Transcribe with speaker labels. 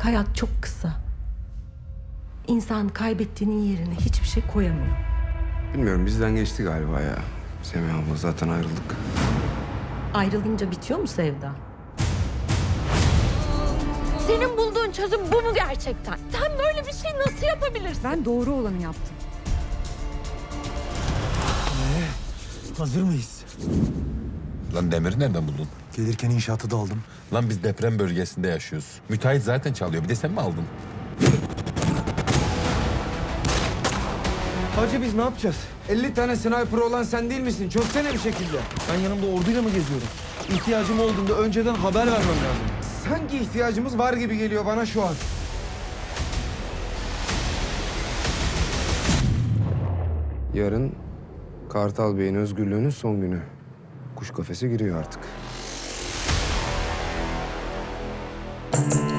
Speaker 1: Hayat çok kısa. İnsan kaybettiğinin yerine hiçbir şey koyamıyor.
Speaker 2: Bilmiyorum, bizden geçti galiba ya. Semih abla, zaten ayrıldık.
Speaker 1: Ayrılınca bitiyor mu sevda?
Speaker 3: Senin bulduğun çözüm bu mu gerçekten? Sen böyle bir şey nasıl yapabilirsin?
Speaker 4: Ben doğru olanı yaptım.
Speaker 5: Hazır mıyız?
Speaker 6: Lan demiri nereden buldun?
Speaker 5: Gelirken inşaatı da aldım.
Speaker 6: Lan biz deprem bölgesinde yaşıyoruz. Müteahhit zaten çalıyor. Bir de sen mi aldın?
Speaker 2: Hacı, biz ne yapacağız? 50 tane sniper olan sen değil misin? Çözsene bir şekilde.
Speaker 5: Ben yanımda orduyla mı geziyorum? İhtiyacım olduğunda önceden haber vermem lazım.
Speaker 2: Sanki ihtiyacımız var gibi geliyor bana şu an. Yarın Kartal Bey'in özgürlüğünün son günü. Kuş kafese giriyor artık.